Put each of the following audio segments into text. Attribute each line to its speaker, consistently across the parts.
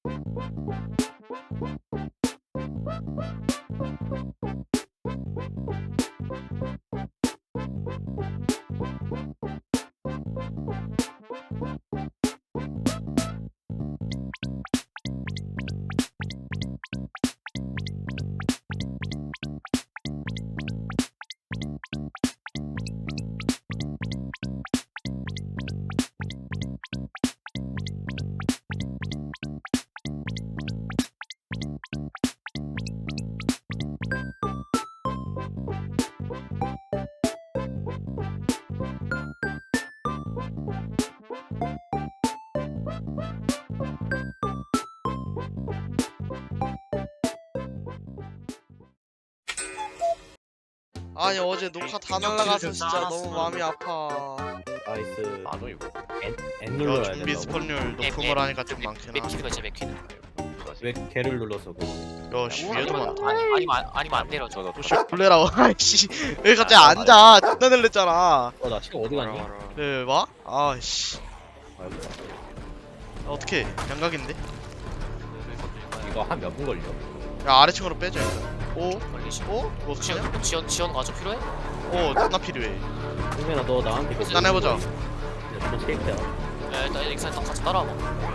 Speaker 1: 아니 어제 녹화 다 날라가서 진짜 너무 마음이 아파.
Speaker 2: 나이스.
Speaker 3: 안 오이고.
Speaker 2: N
Speaker 1: 야
Speaker 2: 눌러야
Speaker 1: 좀비
Speaker 2: 된다고?
Speaker 1: 스폰율 높음을 하니까 좀 많긴 하네.
Speaker 4: 맥키드가 진짜 맥키드.
Speaker 2: 왜 개를 눌러서 그래?
Speaker 1: 야씨 위에도 많다.
Speaker 4: 아니면 안 내려.
Speaker 3: 저도
Speaker 1: 오씨 놀래라. 아이씨 왜 갑자기 앉아? 존나 놀랬잖아.
Speaker 2: 나 지금 어디 갔니?
Speaker 1: 네 봐? 아이씨
Speaker 2: 아이고,
Speaker 1: 어떻게 양각인데?
Speaker 2: 이거 한 몇 분 걸려?
Speaker 1: 야 아래층으로 빼자 일단. 오?
Speaker 4: 걸리시.
Speaker 1: 오? 뭐 어떡하냐?
Speaker 4: 지원 가져 필요해?
Speaker 1: 오 존나 필요해.
Speaker 2: 승민아 너 나한테 그
Speaker 1: 일단 해보자.
Speaker 2: 너 체크야.
Speaker 4: 야 일단 익산 딱 같이 따라와봐.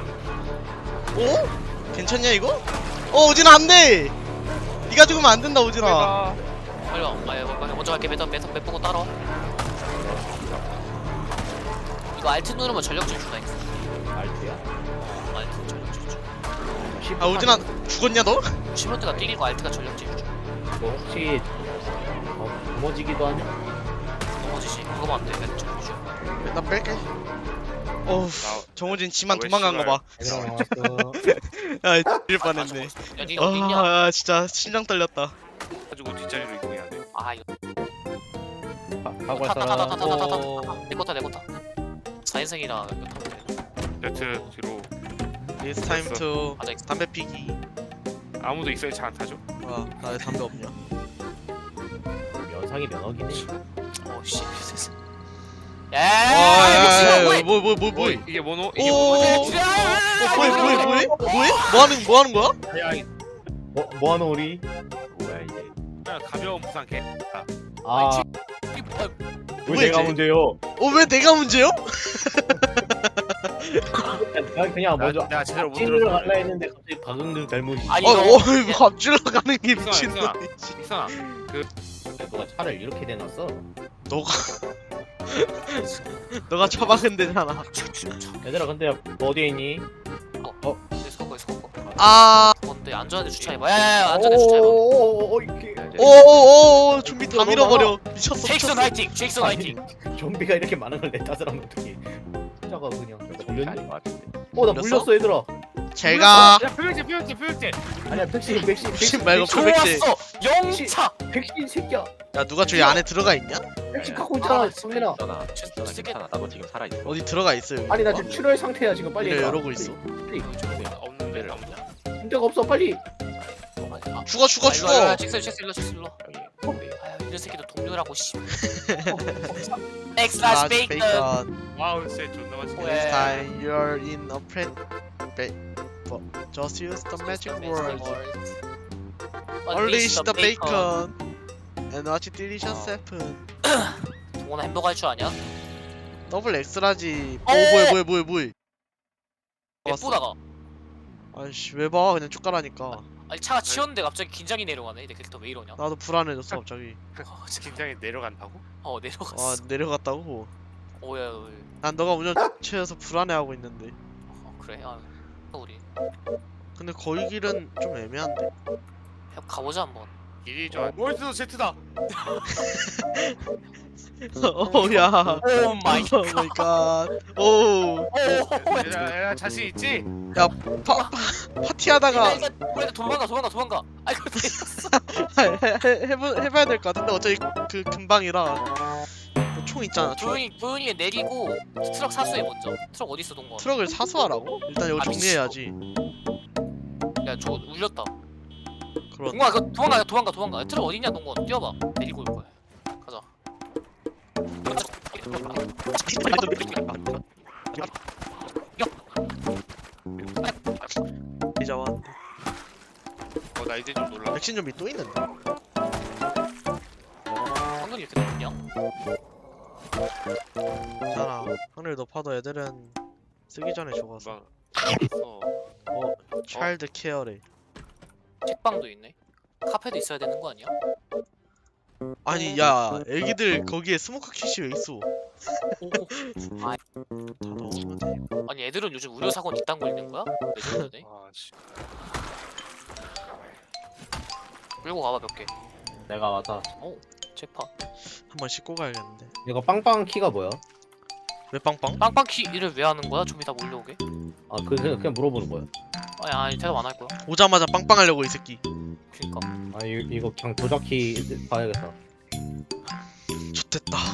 Speaker 1: 오? 괜찮냐 이거? 오진아 안돼! 니가 죽으면 안 된다 오진아.
Speaker 4: 빨리 와. 먼저 갈게. 몇 보고 따라와. 이거 알트 누르면 전력 질주다.
Speaker 2: 알트야.
Speaker 4: 알트 전력 질주.
Speaker 1: 아 오진아 죽었냐 너?
Speaker 4: 시몬트가 뛰기고 알트가 전력 질주.
Speaker 2: 너 혹시 넘어지기도 하냐?
Speaker 4: 넘어지시. 그거만 안 돼. 알트 전력 질주.
Speaker 1: 나 뺄게. 어우 정우진 지만
Speaker 3: 왜
Speaker 1: 도망간 거 봐.
Speaker 2: 얘들아 나왔어.
Speaker 1: 야 죽일 뻔했네.
Speaker 4: 야 니가 어디 있냐?
Speaker 1: 아 진짜 심장 떨렸다.
Speaker 3: 가지고 뒷자리로 이동해야 돼.
Speaker 4: 아 이거
Speaker 2: 하고 할 사람.
Speaker 4: 타타타타타타타타. 내 거다. 4인승이라 이거 타면 돼.
Speaker 3: 세트 뒤로.
Speaker 1: It's time to
Speaker 4: 맞아. 익산.
Speaker 1: 담배 피기.
Speaker 3: 아무도 익사에 잘 안 타죠?
Speaker 1: 뭐야 나 왜 담배 없냐?
Speaker 2: 면상이 면허기네.
Speaker 4: 오씨.
Speaker 1: 와,
Speaker 4: 야.
Speaker 1: 뭐
Speaker 3: 이게 모노?
Speaker 1: 오,
Speaker 3: 이게 모노?
Speaker 1: 뭐 하는 거야?
Speaker 3: 야,
Speaker 2: 뭐하노 우리? 뭐야 이게?
Speaker 3: 그냥 가벼운 부상 개.
Speaker 2: 아, 왜
Speaker 1: 뭐야,
Speaker 2: 내가
Speaker 1: 이제?
Speaker 2: 문제요?
Speaker 1: 왜 내가 문제요?
Speaker 2: 난 그냥 먼저
Speaker 3: 내가 제대로 못
Speaker 2: 찐으로
Speaker 3: 들었어.
Speaker 2: 갈라 했는데 갑자기 방금 잘못이.
Speaker 4: 아니,
Speaker 1: 갑질러 가는 게
Speaker 3: 이상아,
Speaker 1: 미친놈이지.
Speaker 3: 익사나.
Speaker 2: 너가 차를 이렇게 대놨어?
Speaker 1: 너가 처박은 데잖아.
Speaker 2: 얘들아 근데 너 어디에 있니?
Speaker 4: 서거.
Speaker 1: 아,
Speaker 4: 뭔데 안전하게 주차해봐. 야야야 안전하게 주차해봐.
Speaker 2: 이렇게.
Speaker 1: 오오오, 좀비 다 밀어버려. 미쳤어.
Speaker 4: 제익슨 화이팅. 제익슨 화이팅.
Speaker 2: 좀비가 이렇게 많은 걸 내 탓을 하면 어떡해? 혼자가 그냥 걸렸니?
Speaker 3: 아닌 것 같은데.
Speaker 2: 나
Speaker 1: 물렸어?
Speaker 2: 물렸어 얘들아.
Speaker 1: 제가
Speaker 3: 야, 표백제.
Speaker 2: 아니야 백신
Speaker 1: 백신 말고 표백제.
Speaker 4: 좋았어. 영차.
Speaker 2: 백신 새끼야.
Speaker 1: 야 누가 저기 안에 들어가 있냐?
Speaker 2: 백신 갖고 있잖아 성민아.
Speaker 3: 괜찮아. 나도 지금 살아 있어.
Speaker 1: 어디 들어가 있어 여기?
Speaker 2: 아니 나 지금 출혈 상태야 지금 빨리.
Speaker 1: 이래
Speaker 2: 해봐.
Speaker 1: 이러고 있어.
Speaker 3: 없는데 없냐?
Speaker 2: 문제가 없어 빨리.
Speaker 1: 죽어.
Speaker 4: 직스 일로.
Speaker 3: 여기.
Speaker 4: 아유 이런 새끼도 동료라고 씨.
Speaker 1: 아,
Speaker 4: 엑스라스 베이컨.
Speaker 1: 베이컨.
Speaker 3: 와우, 진짜 존나 맛있게.
Speaker 4: 왜?
Speaker 1: This time you're in a friend. Just use the magic words. Unleash the bacon and watch delicious happen.
Speaker 4: 동원아 햄버거 할 줄 아냐?
Speaker 1: 더블 엑스라지. 뭐해.
Speaker 4: 예쁘다가.
Speaker 1: 아이씨 왜 봐? 그냥 쭉 가라니까.
Speaker 4: 아니 차가 치웠는데 갑자기 긴장이 내려가네. 내 캐릭터 왜 이러냐?
Speaker 1: 나도 불안해졌어 갑자기.
Speaker 3: 긴장이 내려간다고?
Speaker 4: 내려갔어.
Speaker 1: 아 내려갔다고?
Speaker 4: 오야.
Speaker 1: 난 너가 운전 취해서 불안해하고 있는데.
Speaker 4: 그래. 우리
Speaker 1: 근데 거기 길은 좀 애매한데.
Speaker 4: 가보자 한번.
Speaker 3: 길이 좋아. 월드도 제트다.
Speaker 1: 어야.
Speaker 4: 오 마이
Speaker 1: 갓. 오.
Speaker 3: 야, 자신 있지?
Speaker 1: 파티하다가
Speaker 4: 우리 도망가. 아이고
Speaker 1: 해봐야 될 것 같은데 어차피 그 금방이라. 총 있잖아. 총.
Speaker 4: 조용히 내리고 트럭 사수해 먼저. 트럭 어디 있어 동건?
Speaker 1: 트럭을 사수하라고? 일단 이거 정리해야지.
Speaker 4: 야 저거 울렸다.
Speaker 1: 그런.
Speaker 4: 동건아 그거 도망가. 트럭 어디 있냐 동건? 뛰어봐. 내리고 올 거야. 가자.
Speaker 1: 좀비 잡았는데.
Speaker 3: 나 이제 좀 놀라.
Speaker 1: 백신 좀비 또 있는데.
Speaker 4: 황금이 이렇게 높냐?
Speaker 1: 괜찮아. 하늘 높아도 애들은 쓰기 전에 죽어서.
Speaker 3: 막
Speaker 1: 차일드 케어래.
Speaker 4: 책방도 있네. 카페도 있어야 되는 거 아니야?
Speaker 1: 아니 야 애기들 거기에 스모크 킷이 왜 있어?
Speaker 4: 아,
Speaker 1: 다 넣으면 돼.
Speaker 4: 아니 애들은 요즘 의료 사고는 이딴 거 있는 거야? 레전드네.
Speaker 3: 아, 씨.
Speaker 4: 끌고 가봐 몇 개.
Speaker 2: 내가 맞아.
Speaker 4: 책파.
Speaker 1: 한번 씻고 가야겠는데.
Speaker 2: 이거 빵빵 키가 뭐야?
Speaker 1: 왜 빵빵?
Speaker 4: 빵빵키 일을 왜 하는 거야? 좀비 다 몰려오게?
Speaker 2: 아 그냥 물어보는 거야.
Speaker 4: 아니 대답 안 할 거야.
Speaker 1: 오자마자 빵빵 하려고 이 새끼.
Speaker 4: 그니까.
Speaker 2: 아 이거 그냥 조작키 봐야겠다.
Speaker 1: 좋됐다.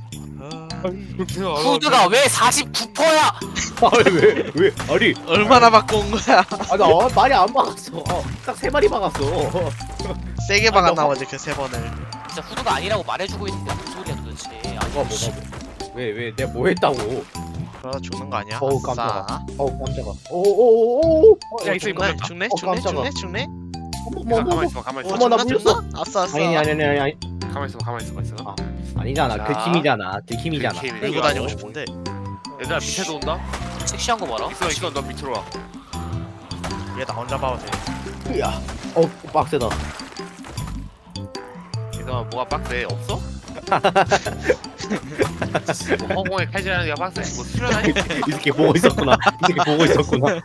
Speaker 4: 후드가 왜 49%야?
Speaker 2: 아왜 아니
Speaker 1: 얼마나 바꿔온 거야?
Speaker 2: 아나 말이 안 막았어. 딱 3마리 막았어.
Speaker 1: 세게
Speaker 2: 아니,
Speaker 1: 박았나
Speaker 2: 너-
Speaker 1: 보지 그 3번을.
Speaker 4: 진짜 후드가 아니라고 말해주고 있는데 무슨 소리야 도대체. 아니
Speaker 2: 뭐가 왜 내가 뭐 했다고?
Speaker 1: 그러다 죽는 거 아니야?
Speaker 2: 어우,
Speaker 1: 아싸.
Speaker 2: 깜짝아. 깜짝아. 오오오오.
Speaker 3: 야, 있어,
Speaker 1: 죽네?
Speaker 3: 있어.
Speaker 1: 죽네?
Speaker 2: 어,
Speaker 1: 죽네?
Speaker 2: 깜짝아.
Speaker 1: 죽네?
Speaker 3: 가만히 있어, 가만히 있어.
Speaker 2: 어머, 나
Speaker 1: 죽나?
Speaker 2: 물렸어.
Speaker 1: 죽나? 아싸 아싸.
Speaker 2: 아니
Speaker 3: 가만히 있어, 가만히 있어.
Speaker 2: 아. 아니잖아.
Speaker 3: 자.
Speaker 2: 들킴이잖아. 들킴이잖아.
Speaker 3: 들킴이.
Speaker 1: 들고 다니고 싶은데.
Speaker 3: 얘들아 밑에도 온다.
Speaker 4: 섹시한 거 봐라.
Speaker 3: 있어, 너 밑으로 와.
Speaker 1: 얘 나 혼자 봐도 돼.
Speaker 2: 야. 빡세다.
Speaker 3: 얘들아 뭐가 빡세? 없어? 뭐 허공에 칼질하는 게 빡세? 뭐 수련하니?
Speaker 2: 이 새끼 보고 있었구나. 이 새끼 보고 있었구나.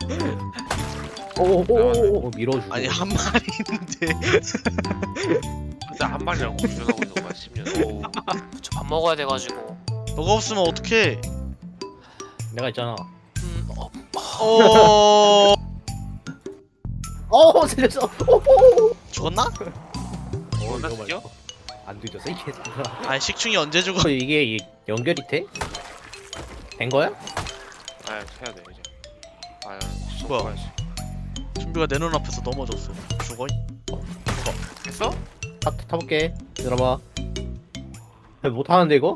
Speaker 2: 오오오오 밀어주고.
Speaker 1: 아니 한 마리 있는데.
Speaker 3: 진짜 한 마리라고 운전하고 있는 거야 10년. 오.
Speaker 4: 저 밥 먹어야 돼가지고.
Speaker 1: 너가 없으면 어떡해?
Speaker 2: 내가 있잖아.
Speaker 1: 어.
Speaker 2: 살렸어.
Speaker 1: 죽었나?
Speaker 3: 나
Speaker 2: 이거
Speaker 3: 죽여?
Speaker 2: 말고. 안 뒤졌어 이 개새끼야.
Speaker 1: 아니 식충이 언제 죽어?
Speaker 2: 이게 연결이 돼? 된 거야?
Speaker 3: 아 해야 돼 이제. 아
Speaker 1: 뭐야?
Speaker 3: 가야지.
Speaker 1: 준비가 내 눈앞에서 넘어졌어. 죽어?
Speaker 3: 됐어?
Speaker 2: 타볼게. 들어봐. 못 하는데 이거?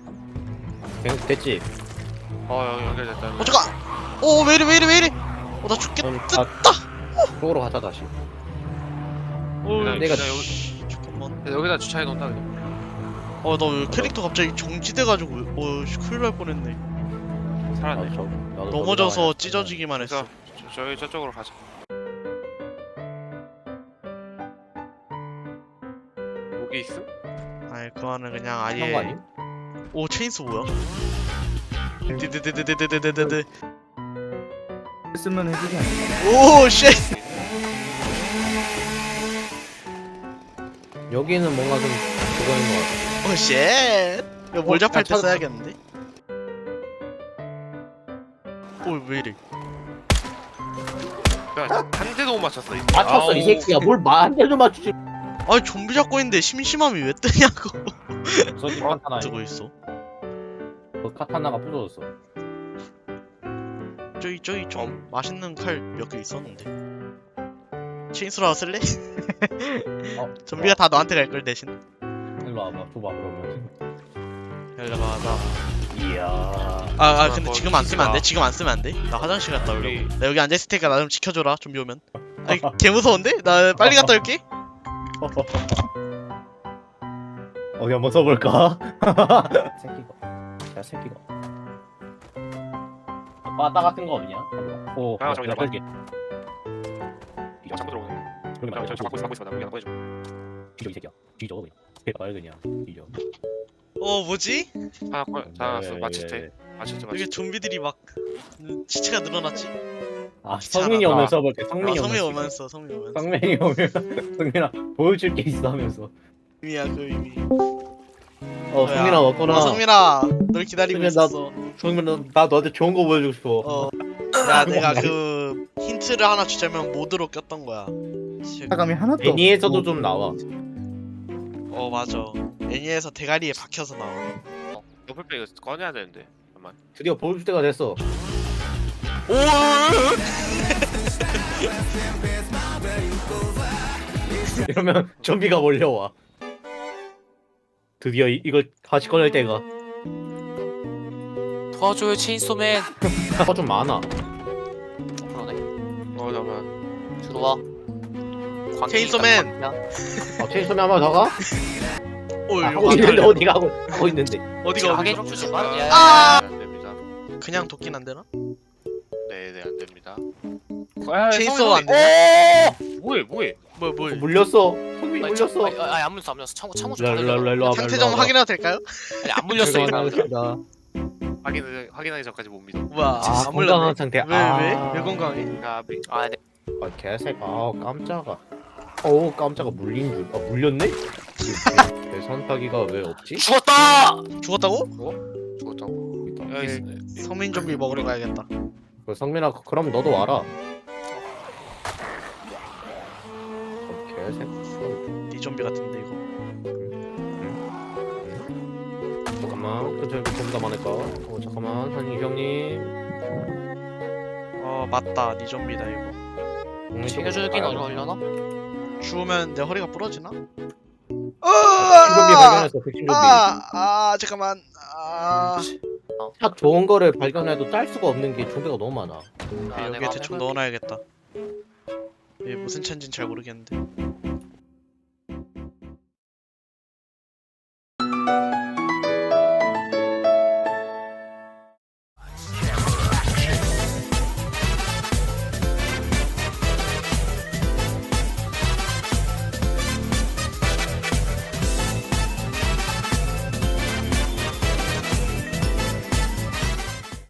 Speaker 2: 됐지.
Speaker 3: 연결됐다.
Speaker 1: 잠깐. 왜 이래? 나 죽겠다.
Speaker 2: 쪽으로 가자 다시.
Speaker 3: 내가
Speaker 1: 잠깐만.
Speaker 3: 여기다 주차해 놓는다 그냥.
Speaker 1: 나 캐릭터 갑자기 정지돼가지고 큰일 날 뻔했네.
Speaker 3: 살았네.
Speaker 2: 나도
Speaker 1: 넘어져서 찢어지기만 했어.
Speaker 3: 그래서 저희 저쪽으로 가자. 여기 있음?
Speaker 1: 아니 그거는 그냥
Speaker 2: 한거
Speaker 1: 아예.
Speaker 2: 아니?
Speaker 1: 오 체인소 뭐야? 드드드드드드드드드.
Speaker 5: 쓰면 해주지 않나?
Speaker 1: 오 쉣.
Speaker 2: 여기는 뭔가 좀 그거인 것 같아.
Speaker 1: 오 쉣. 이거 몰잡할 때
Speaker 2: 찾았다.
Speaker 1: 써야겠는데? 왜 이래?
Speaker 3: 한 대도 못 맞췄어.
Speaker 2: 맞췄어 이 새끼야. 뭘 한 대도 맞추지.
Speaker 1: 아니 좀비 잡고 있는데 심심함이 왜 뜨냐고.
Speaker 2: 저기 카타나.
Speaker 1: 뜨고 있어.
Speaker 2: 그 카타나가 부서졌어.
Speaker 1: 저기 좀 맛있는 칼 몇 개 있었는데. 체인소라 쓸래? 좀비가 다 너한테 갈 걸 대신.
Speaker 2: 일로 와봐. 줘봐 그러면.
Speaker 1: 열려봐 나.
Speaker 2: 이야.
Speaker 1: 근데
Speaker 3: 뭐
Speaker 1: 지금 안 쓰면 안 돼?
Speaker 3: 키스가.
Speaker 1: 지금 안 쓰면 안 돼? 나 화장실 갔다
Speaker 3: 우리-
Speaker 1: 오려고. 나 여기 앉아있을 테니까 나 좀 지켜줘라 좀비 오면. 아니 개 무서운데? 나 빨리 갔다 올게.
Speaker 2: 어디 한번 써볼까? 새끼가. 야 새끼가. 바다 같은 거 없냐? 오.
Speaker 3: 아, 저기 나가.
Speaker 2: 이거
Speaker 3: 이거 자꾸 들어오네.
Speaker 2: 여기 나와.
Speaker 3: 저 막고 있어. 나 여기 안 보여줘.
Speaker 2: 뒤져 이 새끼야. 뒤져 그냥. 개발 그냥. 뒤져.
Speaker 1: 뭐지?
Speaker 3: 하나 나왔어.
Speaker 2: 예,
Speaker 3: 맞췄대. 맞췄지.
Speaker 1: 여기 좀비들이 막 시체가 늘어났지?
Speaker 2: 아
Speaker 1: 귀찮아.
Speaker 2: 성민이 오면 써볼게. 성민이
Speaker 1: 성민이
Speaker 2: 오면.
Speaker 1: 오면서 성민이 오면서.
Speaker 2: 성민이 오면 성민아 보여줄 게 있어 하면서.
Speaker 1: 의미야 그 의미.
Speaker 2: 성민아 왔구나.
Speaker 1: 성민아 널 기다리고
Speaker 2: 성민아, 나-
Speaker 1: 있었어.
Speaker 2: 성민아 나 너한테 좋은 거 보여주고 싶어.
Speaker 1: 야 내가 그 힌트를 하나 주자면 모드로 꼈던 거야.
Speaker 5: 사감이 하나도
Speaker 2: 애니에서도 좀 나와.
Speaker 1: 맞아. 애니에서 대가리에 박혀서 나와.
Speaker 3: 옆에 이거 꺼내야 되는데. 잠깐만.
Speaker 2: 드디어 보여줄 때가 됐어. 이러면 좀비가 몰려와. 드디어 이걸 다시 꺼낼 때가.
Speaker 4: 도와줘요 체인소맨.
Speaker 2: 좀 많아.
Speaker 4: 그러네.
Speaker 3: 잠깐만.
Speaker 4: 들어와.
Speaker 1: 체인소맨!
Speaker 2: 체인소맨 한번 더 가?
Speaker 1: 오
Speaker 2: 하고
Speaker 1: 이거
Speaker 2: 있는데
Speaker 1: 안
Speaker 2: 어디가 하고 있는데.
Speaker 1: 어디가
Speaker 4: 하게
Speaker 1: 어디가
Speaker 4: 좀 주지 마. 야,
Speaker 1: 아!
Speaker 3: 안 됩니다.
Speaker 1: 그냥 도끼는 안 되나?
Speaker 3: 네네 안 됩니다.
Speaker 1: 체인소 안 되나?
Speaker 3: 뭐해?
Speaker 1: 뭐
Speaker 2: 물렸어. 성민이
Speaker 4: 아니,
Speaker 2: 물렸어.
Speaker 4: 아니 안 물렸어 안 물렸어. 창고 좀
Speaker 2: 일로
Speaker 4: 닫으려고.
Speaker 2: 일로 일로
Speaker 1: 상태 좀 확인해도 될까요?
Speaker 4: 아니 안 물렸어 이거.
Speaker 3: 확인하기 전까지 못 믿어.
Speaker 1: 뭐야
Speaker 2: 아
Speaker 1: 안
Speaker 2: 건강한
Speaker 1: 물렸네
Speaker 2: 상태.
Speaker 1: 왜 건강해?
Speaker 3: 까비.
Speaker 4: 아 네.
Speaker 2: 아 개색. 아 깜짝아. 오 깜짝아 물린 줄. 아 물렸네? 계산타기가 왜 없지?
Speaker 4: 죽었다.
Speaker 1: 죽었다고?
Speaker 3: 죽었다고.
Speaker 2: 있다.
Speaker 3: 여기
Speaker 1: 성민 좀비 먹으러 가야겠다
Speaker 2: 그 성민아 그럼 너도 와라. 개색.
Speaker 1: 니 좀비 같은데 이거
Speaker 2: 잠깐만 근처에 좀 더 많을까? 잠깐만 한이 형님.
Speaker 1: 맞다 니 좀비다 이거
Speaker 4: 챙겨주긴 어려려나?
Speaker 1: 죽으면 내 허리가 부러지나?
Speaker 2: 백신 좀비 발견했어. 백신 좀비.
Speaker 1: 잠깐만
Speaker 2: 딱 좋은 거를 발견해도 딸 수가 없는 게 좀비가 너무 많아.
Speaker 1: 여기에 대충 넣어놔야겠다 얘 무슨 차인진 잘 모르겠는데